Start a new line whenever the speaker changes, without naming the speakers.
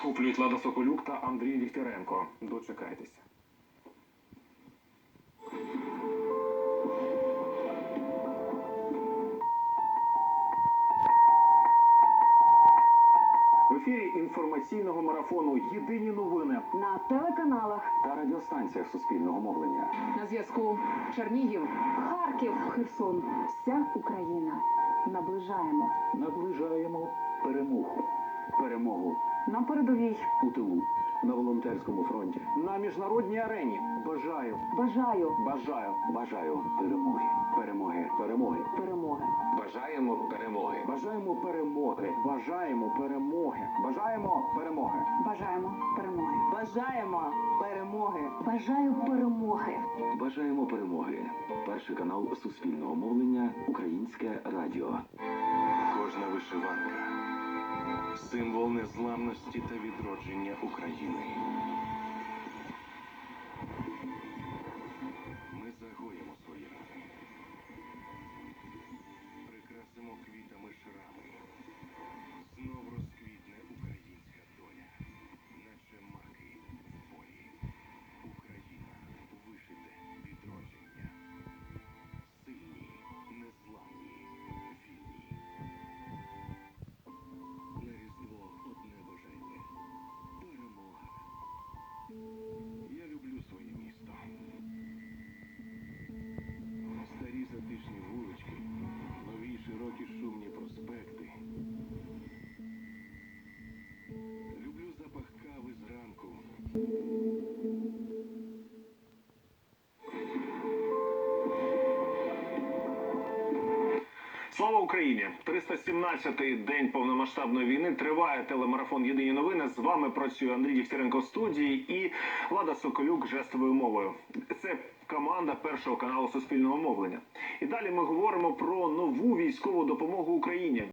захоплюють Лада Соколюк та Андрій Дігтяренко. Дочекайтеся. В ефірі інформаційного марафону «Єдині новини»
на телеканалах
та радіостанціях суспільного мовлення.
На зв'язку Чернігів, Харків, Херсон. Вся Україна.
Наближаємо перемогу. Перемогу
На передовій.
у тилу, на волонтерському фронті.
на міжнародній арені. Бажаю
Бажаю перемоги. Перемоги.
Бажаємо перемоги.
Бажаємо перемоги.
Бажаємо перемоги. Бажаємо перемоги.
Бажаємо перемоги.
Бажаємо перемоги.
Бажаю перемоги.
Бажаємо перемоги. Перший канал суспільного мовлення «Українське радіо».
Кожна вишиванка – символ незламності та відродження України. Ми загоїмо свої рани, прикрасимо квітами шрами. Знов розквітне українська доля, наче маки в полі. Україна – вишите відродження. Сильні, незламні, вільні. На Різдво одне бажання – перемога. Я люблю своє місто. Старі затишні вулички, нові широкі шумні проспекти. Люблю запах кави зранку.
Слава Україні! 317-й день повномасштабної війни. Триває телемарафон «Єдині новини». З вами працює Андрій Дігтяренко в студії і Лада Соколюк жестовою мовою. Це команда Першого каналу суспільного мовлення. І далі ми говоримо про нову військову допомогу Україні.